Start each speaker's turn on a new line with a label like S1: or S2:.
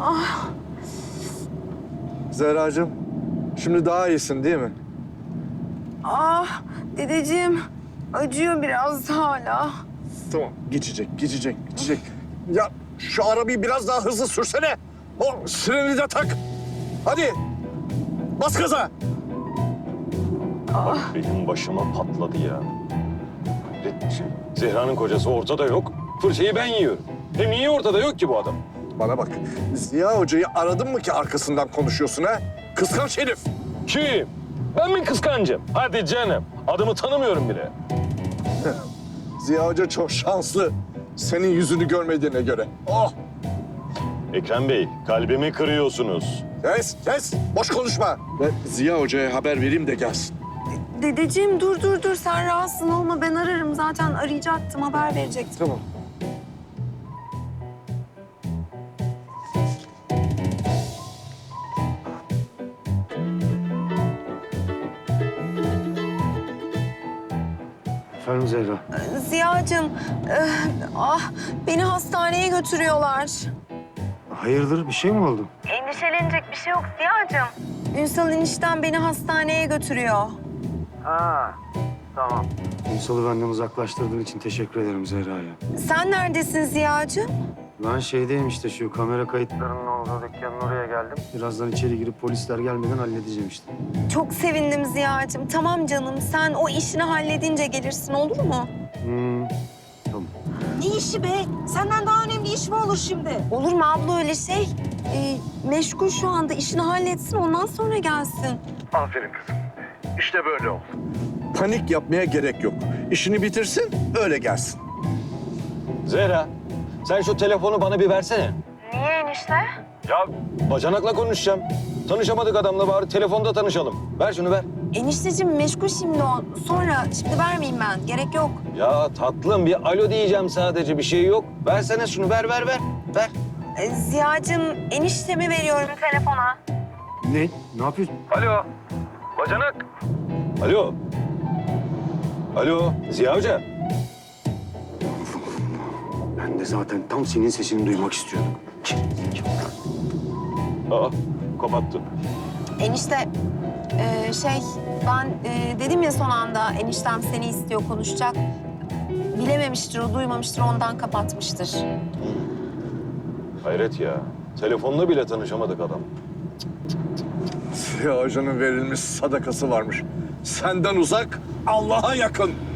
S1: Zehracığım, şimdi daha iyisin değil mi?
S2: Dedeciğim, acıyor biraz hala.
S1: Tamam, geçecek. Ya şu arabayı biraz daha hızlı sürsene. O sireni de tak. Hadi, bas gaza.
S3: Bak benim başıma patladı ya. Zehra'nın kocası ortada yok. Fırçayı ben yiyorum. Hem niye ortada yok ki bu adam?
S1: Bana bak, Ziya Hoca'yı aradın mı ki arkasından konuşuyorsun ha? Kıskanç herif.
S3: Kim? Ben mi kıskancım? Hadi canım. Adımı tanımıyorum bile.
S1: Ziya Hoca çok şanslı. Senin yüzünü görmediğine göre. Oh!
S3: Ekrem Bey, kalbimi kırıyorsunuz.
S1: Kes! Boş konuşma. Ve Ziya Hoca'ya haber vereyim de gelsin.
S2: Dedeciğim dur. Sen rahatsız olma. Ben ararım. Zaten arayacaktım. Haber verecektim.
S1: Tamam.
S4: Efendim Zehra.
S2: Ziya'cığım, beni hastaneye götürüyorlar.
S4: Hayırdır bir şey mi oldu?
S2: Endişelenecek bir şey yok Ziya'cığım. Ünsal enişten beni hastaneye götürüyor.
S4: Ünsal'ı benden uzaklaştırdığın için teşekkür ederim Zehra'ya.
S2: Sen neredesin Ziya'cığım?
S4: Ben şeydeyim işte şu kamera kayıtlarının olduğu dükkanın oraya geldim. Birazdan içeri girip polisler gelmeden halledeceğim işte.
S2: Çok sevindim Ziya'cığım. Tamam canım, sen o işini halledince gelirsin, olur mu?
S4: Tamam.
S5: Ne işi be? Senden daha önemli iş mi olur şimdi?
S2: Olur mu abla öyle şey? Meşgul şu anda, işini halletsin, ondan sonra gelsin.
S1: Aferin kızım. İşte böyle ol. Panik yapmaya gerek yok. İşini bitirsin, öyle gelsin.
S3: Zehra, sen şu telefonu bana bir versene.
S2: Niye enişte?
S3: Ya bacanakla konuşacağım. Tanışamadık adamla, bari telefonda tanışalım. Ver şunu, ver.
S2: Enişteciğim meşgul şimdi o. Sonra, şimdi vermeyeyim ben. Gerek yok.
S3: Ya tatlım, bir alo diyeceğim sadece, bir şey yok. Versene şunu, ver. Ver.
S2: Ziya'cığım, eniştemi veriyorum telefona.
S4: Ne yapıyorsun?
S3: Alo, bacanak. Alo, Ziya Hoca.
S4: Ben de zaten tam senin sesini duymak istiyordum.
S3: Aa, kapattı.
S2: Enişte, ben dedim ya son anda eniştem seni istiyor, konuşacak. Bilememiştir, o duymamıştır, ondan kapatmıştır.
S3: Hayret ya. Telefonla bile tanışamadık adam.
S1: Ziya Hoca'nın verilmiş sadakası varmış. Senden uzak, Allah'a yakın.